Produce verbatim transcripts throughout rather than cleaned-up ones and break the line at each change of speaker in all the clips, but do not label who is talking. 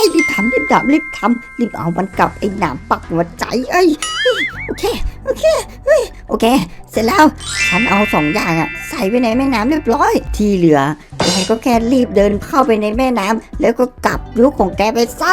รีบทำรีบทำรีบทำรีบเอามันกลับไอ้หนามปักหัวใจเอ้ยโอเคโอเคเฮ้ยโอเคเสร็จแล้วฉันเอาสองอย่างอะใส่ไว้ในแม่น้ำเรียบร้อยที่เหลือแกก็แค่รีบเดินเข้าไปในแม่น้ำแล้วก็กลับยุคของแกไปซะ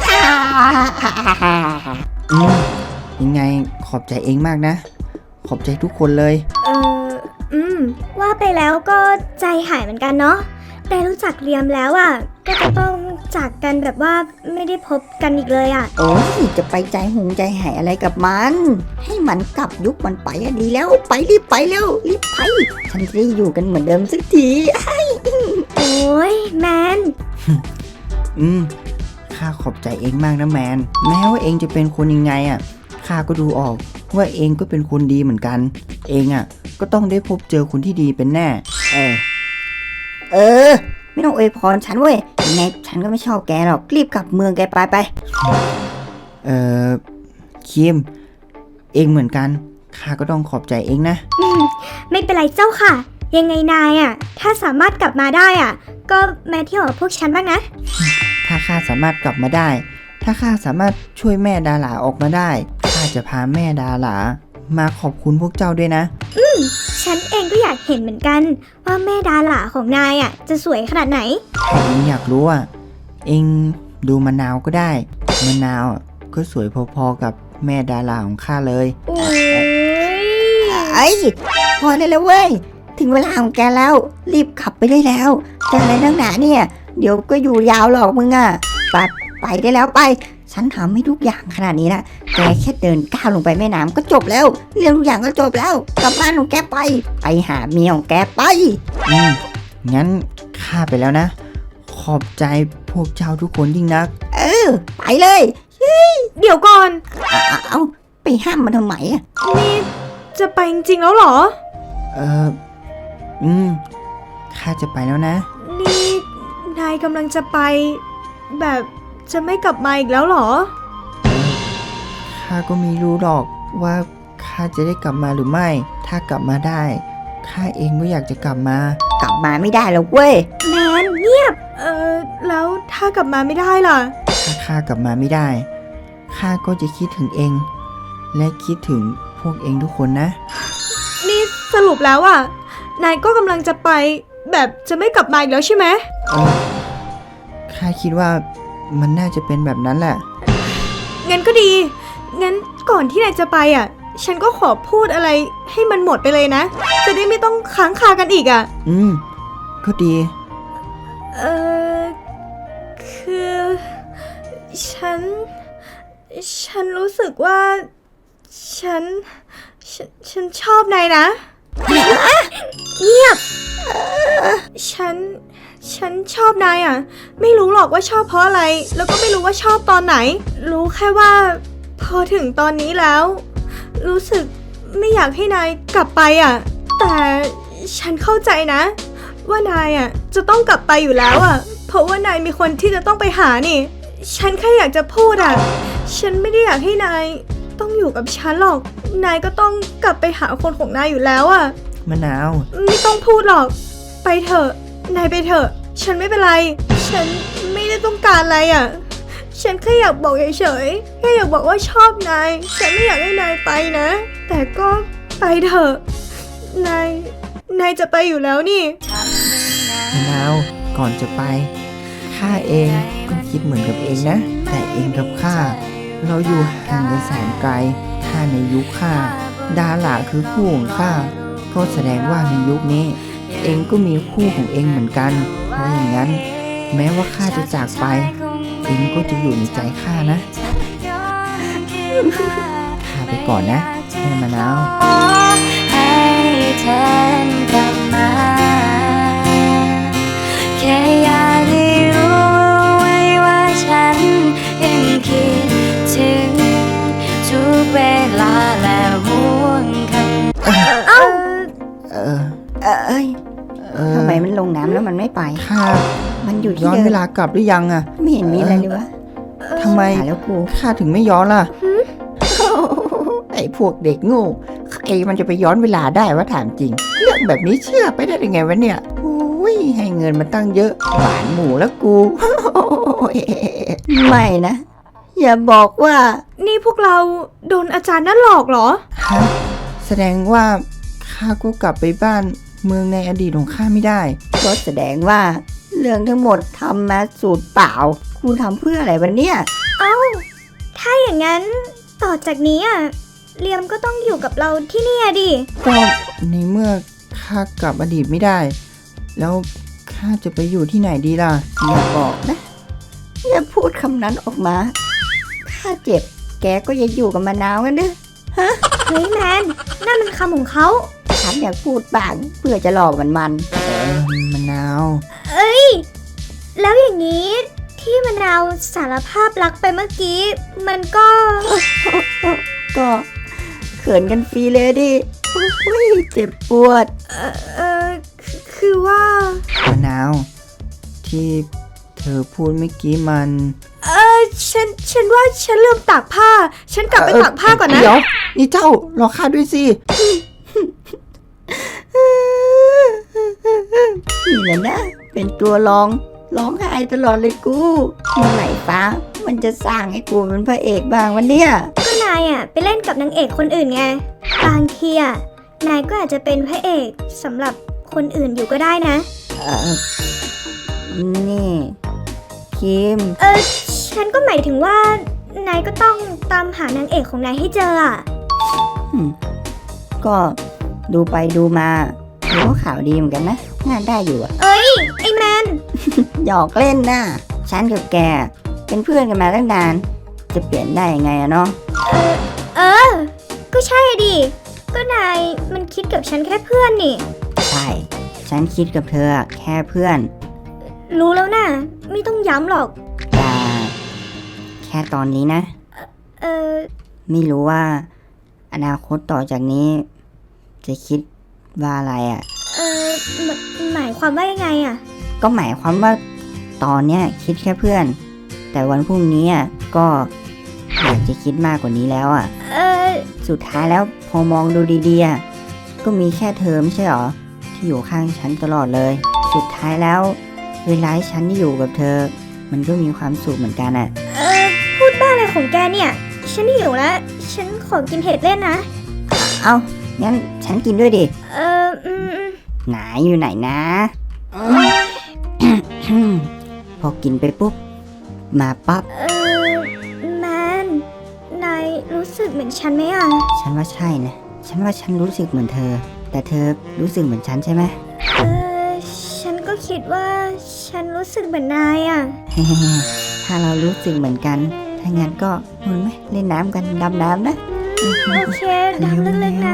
อืมยังไงขอบใจเองมากนะ ขอบใจทุกคนเลย
เอออืมว่าไปแล้วก็ใจหายเหมือนกันเนาะได้รู้จักเรียมแล้วอ่ะก็จะต้องจากกันแบบว่าไม่ได้พบกันอีกเลยอ่ะ
โอ้ยจะไปใจหงใจหายอะไรกับมัน ให้มันกลับยุคมันไปอะดีแล้วไปรีบไปเร็วรีบไปฉันจะได้อยู่กันเหมือนเดิมสักที
โอ้ยแมน
อืมข้าขอบใจเองมากนะแมนแม้ว่าเองจะเป็นคนยังไงอ่ะข้าก็ดูออกว่าเองก็เป็นคนดีเหมือนกัน เองอ่ะก็ต้องได้พบเจอคนที่ดีเป็นแน่เออ
เออไม่ต้องอวยพรฉันเว้ยยังไงฉันก็ไม่ชอบแกหรอกรีบกลับเมืองแกไปไป
เออคิมเองเหมือนกันข้าก็ต้องขอบใจเองนะ
ไม่เป็นไรเจ้าค่ะ ยังไงนายอ่ะถ้าสามารถกลับมาได้อ่ะก็มาเที่ยวกับพวกฉันบ้างนะ
ถ้าข้าสามารถกลับมาได้ ถ้าข้าสามารถช่วยแม่ดาหลาออกมาได้ข้าจะพาแม่ดาหลามาขอบคุณพวกเจ้าด้วยนะ
ฉันเองก็อยากเห็นเหมือนกันว่าแม่ดาหลาของนายอ่ะจะสวยขนาดไหน
ถ้าเองอยากรู้อ่ะเองดูมะนาวก็ได้มะนาวอ่ะก็สวยพอๆกับแม่ดาหลาของข้าเลย
โอ้ย
ไอ้พอได้แล้วเว้ยถึงเวลาของแกแล้วรีบขับไปได้แล้วจะอะไรนักหนาเนี่ยเดี๋ยวก็อยู่ยาวหรอกมึงอ่ะไปไปได้แล้วไปฉันทำให้ทุกอย่างขนาดนี้นะแกแค่เดินก้าวลงไปแม่น้ำก็จบแล้วเรื่องทุกอย่างก็จบแล้วกลับบ้านของแกไปไปหาเมียของแกไป
อืมงั้นข้าไปแล้วนะ ขอบใจพวกเจ้าทุกคนยิ่งนัก
เออไปเลย
เดี๋ยวก่อน
เอาเอาไปห้ามมันทำไมอ่ะ
นี่จะไปจริงๆแล้วเหรอ
เอออืมข้าจะไปแล้วนะ
นี่นายกำลังจะไป แบบจะไม่กลับมาอีกแล้วเหรอ
ข้าก็ไม่รู้หรอกว่าข้าจะได้กลับมาหรือไม่ ถ้ากลับมาได้ข้าเองก็อยากจะกลับมา
กลับมาไม่ได้แล้วเว้ย
แมนเงียบ เออแล้วถ้ากลับมาไม่ได้ล่ะ
ถ้าข้ากลับมาไม่ได้ข้าก็จะคิดถึงเอง และคิดถึงพวกเองทุกคนนะ
นี่สรุปแล้วอ่ะ นายก็กำลังจะไป แบบจะไม่กลับมาอีกแล้วใช่ไหม
เออข้าคิดว่ามันน่าจะเป็นแบบนั้นแหละ
งั้นก็ดี งั้นก่อนที่นายจะไปอ่ะ ฉันก็ขอพูดอะไรให้มันหมดไปเลยนะ จะได้ไม่ต้องค้างคากันอีกอ่ะ
อืมก็ดี
เออคือ ฉัน ฉันรู้สึกว่า ฉัน ฉัน ฉันชอบนายนะ เงียบ ฉัน ฉันชอบนายอ่ะ ไม่รู้หรอกว่าชอบเพราะอะไร แล้วก็ไม่รู้ว่าชอบตอนไหน รู้แค่ว่า พอถึงตอนนี้แล้ว รู้สึกไม่อยากให้นายกลับไปอ่ะ แต่ฉันเข้าใจนะ ว่านายอ่ะจะต้องกลับไปอยู่แล้วอ่ะ เพราะว่านายมีคนที่จะต้องไปหานี่ ฉันแค่อยากจะพูดอ่ะ ฉันไม่ได้อยากให้นายต้องอยู่กับฉันหรอก นายก็ต้องกลับไปหาคนของนายอยู่แล้วอ่ะ
มะนาว
ไม่ต้องพูดหรอก ไปเถอะ นายไปเถอะ ฉันไม่เป็นไร ฉันไม่ได้ต้องการอะไรอ่ะ ฉันแค่อยากบอกเฉยๆ แค่อยากบอกว่าชอบนาย ฉันไม่อยากให้นายไปนะ แต่ก็ไปเถอะ นาย นายจะไปอยู่แล้วนี่
มะนาวก่อนจะไปข้าเองก็คิดเหมือนกับเองนะ แต่เองกับข้าเราอยู่ห่างกันแสนไกลถ้าในยุคข้าดาหลาคือคู่ของข้าก็แสดงว่าในยุคนี้ เองก็มีคู่ของเองเหมือนกันเพราะอย่างนั้น แม้ว่าข้าจะจากไป เองก็จะอยู่ในใจข้านะข้าไปก่อนนะแม่มะนาว
ให้เธอกลับมาแค่อยากให้รู้ไว้ว่าฉันยังคิดถึงทุกเวลาและห่วงคำ
เอ้า
เออ
เออเอ้ย
เออ
ทำไมมันลงน้ำแล้วมันไม่ไป
ข้า
มันอยู่ที่
ย้อน
เดิ
เว
ม
ลากลับหรือยังอะ
ไม่เห็นมีอะไรเลยวะ
ทำไม
หาแล้วกู
ข้าถึงไม่ย้อนล่ะ ไอ้พวกเด็กโง่ใครมันจะไปย้อนเวลาได้วะถามจริง เรื่องแบบนี้เชื่อไปได้ยังไงวะเนี่ยโอ้ยให้เงินมาตั้งเยอะหวานหมูแล้วกู
ไม่นะ อย่าบอกว่า
นี่พวกเราโดนอาจารย์นั่นหลอกเหรอ
ฮะแสดงว่าข้าก็กลับไปบ้านเมืองในอดีตของข้าไม่ได้
ก็แสดงว่า เรื่องทั้งหมดทำมาสูตรเปล่ากูทำเพื่ออะไรวะเนี่ย
ถ้าอย่างนั้นต่อจากนี้อ่ะเลียมก็ต้องอยู่กับเราที่นี่อะดิ
ก็ในเมื่อข้ากลับอดีตไม่ได้ แล้วข้าจะไปอยู่ที่ไหนดีล่ะ
อย่าบอกนะ อย่าพูดคำนั้นออกมา ข้าเจ็บ แกก็อย่าอยู่กับมะนาวกันเด้อ
เฮ้ยแมนนั่นมันคำของเขา
ฉันอยากพูดบ้างเพื่อจะหลอกมันมัน
เออมะนาว
แล้วอย่างนี้ที่มะนาวสารภาพรักไปเมื่อกี้ มันก็
ก็เขินกันฟรีเลยดิอุ้ยเจ็บปวด
เออเออคือคือว่า
มะนาว ที่เธอพูดเมื่อกี้มัน
เออฉันฉันว่าฉันลืมตากผ้า ฉันกลับไป
เอ่อ
ตากผ้าก่อนนะ
เดี๋ยวนี่เจ้ารอข้าด้วยสิ
นี่แหละนะ เป็นตัวร้องร้องไห้ตลอดเลยกูเมื่อไหร่ฟ้า มันจะสร้างให้กูเป็นพระเอกบ้างวันเนี้ย
ก็นายอ่ะไปเล่นกับนางเอกคนอื่นไง บางทีอ่ะนายก็อาจจะเป็นพระเอกสำหรับคนอื่นอยู่ก็ได้นะ
เออนี่คิม
เออฉันก็หมายถึงว่านายก็ต้องตามหานางเอกของนายให้เจออ่ะ
ก็ดูไปดูมาดูว่าข่าวดีเหมือนกันนะงานได้อยู่อะ
เอ้ยไอ้แมน
หยอกเล่นนะฉันกับแก เป็นเพื่อนกันมาตั้งนาน จะเปลี่ยนได้ยังไงอะเนาะ
เออ ก็ใช่ดิ ก็นายมันคิดกับฉันแค่เพื่อนนี่
ใช่ ฉันคิดกับเธอแค่เพื่อน
รู้แล้วนะไม่ต้องย้ำหรอก
แต่แค่ตอนนี้นะ
เออ
ไม่รู้ว่า อนาคตต่อจากนี้ จะคิดว่าอะไรอะ่ะ
เออหมหมายความว่ายังไงอ่ะ
ก็หมายความว่าตอนเนี้ยคิดแค่เพื่อน แต่วันพรุ่งนี้อ่ะก็อยากจะคิดมากกว่านี้แล้วอ่ะ
เออ
สุดท้ายแล้วพอมองดูดีๆอ่ะก็มีแค่เธอไม่ใช่หรอ ที่อยู่ข้างฉันตลอดเลย สุดท้ายแล้ว เวลาที่ฉันได้อยู่กับเธอ มันก็มีความสุขเหมือนกันอ่ะ
เออ พูดบ้าอะไรของแกเนี่ย ฉันหิวแล้ว ฉันขอกินเห็ดเล่นนะ
เอางั้นฉันกินด้วยดิ
เออ อืมอืม
ไหนอยู่ไหนนะ พอกินไปปุ๊บ มาปั๊บ
เออ แมน นายรู้สึกเหมือนฉันไหมอ่ะ
ฉันว่าใช่นะ ฉันว่าฉันรู้สึกเหมือนเธอ แต่เธอรู้สึกเหมือนฉันใช่ไหม
เออ ฉันก็คิดว่าฉันรู้สึกเหมือนนายอ่ะ
ถ้าเรารู้สึกเหมือนกัน ถ้างั้นก็นู่นไหมเล่นน้ำกันดำน้ำนะ
โอเคดำลึกๆนะ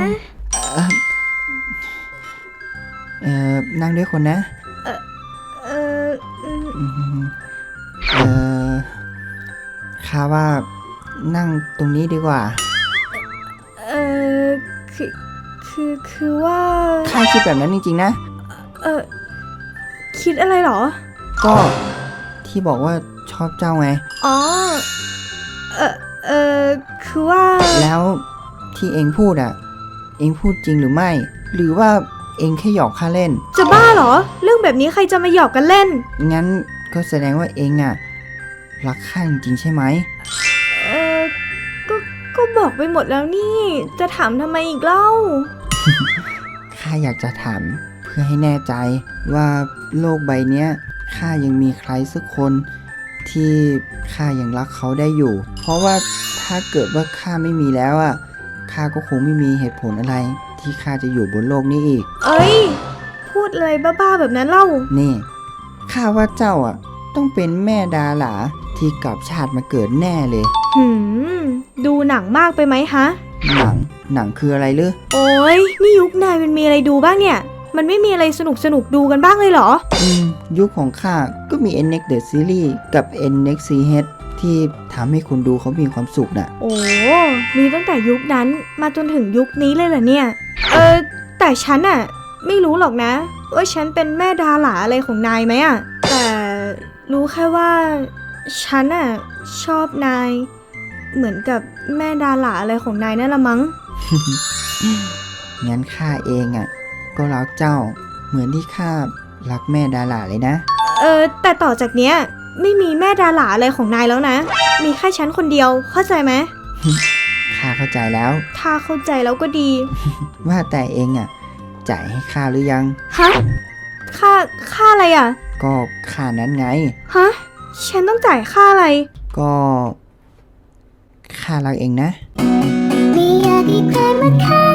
เอ่อ นั่งด้วยคนนะ
เอออืม
อืมเอ่อข้าว่านั่งตรงนี้ดีกว่า
เออคือ คือ คือว่า
ข้าคิดแบบนั้นจริงๆนะ
เออ คิดอะไรเหรอ
ก็ที่บอกว่าชอบเจ้าไง
อ๋อ เออเออคือว่า
แล้วที่เองพูดอ่ะ เองพูดจริงหรือไม่ หรือว่าเองแค่หยอกข้าเล่น
จะบ้าเหรอ เรื่องแบบนี้ใครจะมาหยอกกันเล่น
งั้นก็แสดงว่าเองอ่ะ รักข้าจริงๆใช่ไหม
เออก็ ก็บอกไปหมดแล้วนี่ จะถามทำไมอีกเล่า
ข้าอยากจะถามเพื่อให้แน่ใจว่าโลกใบเนี้ยข้ายังมีใครสักคนที่ข้ายังรักเขาได้อยู่ เพราะว่าถ้าเกิดว่าข้าไม่มีแล้วอ่ะข้าก็คงไม่มีเหตุผลอะไร ที่ข้าจะอยู่บนโลกนี้อีก
เอ้ย พูดอะไรบ้าๆแบบนั้นเล่า
นี่ข้าว่าเจ้าอ่ะ ต้องเป็นแม่ดาหลาที่กลับชาติมาเกิดแน่เลย
หืม ดูหนังมากไปไหมฮะ
หนังหนังคืออะไรลือ
โอ้ยนี่ยุคนายมันมีอะไรดูบ้างเนี่ย มันไม่มีอะไรสนุกสนุกๆดูกันบ้างเลยเหรอ
อืมยุคของข้าก็มี เอ็น เอ็กซ์ The Series กับ เอ็น เอ็กซ์ ซี เอช ที่ทำให้คนดูเขามีความสุขน่ะ
โอ้ มีตั้งแต่ยุคนั้นมาจนถึงยุคนี้เลยเหรอเนี่ย เออ แต่ฉันอะไม่รู้หรอกนะ ว่าฉันเป็นแม่ดาหลาอะไรของนายไหมอะแต่รู้แค่ว่าฉันอะชอบนาย เหมือนกับแม่ดาหลาอะไรของนายนั่นละมั้ง
งั้นข้าเองอ่ะ ก็รักเจ้า เหมือนที่ข้ารักแม่ดาหลาเลยนะ
เออแต่ต่อจากเนี้ยไม่มีแม่ดาหลาอะไรของนายแล้วนะ มีแค่ฉันคนเดียวเข้าใจไหม
ข้าเข้าใจแล้ว
ถ้าเข้าใจแล้วก็ดี
ว่าแต่เองอ่ะจ่ายให้ข้าหรือยัง
ฮะ ค่า ค่าอะไรอ่ะ
ก็ค่านั้นไง
ฮะ ฉันต้องจ่ายค่าอะไร
ก็ข้ารักเองนะ
ไม่อยากให้ใครมาฆ่า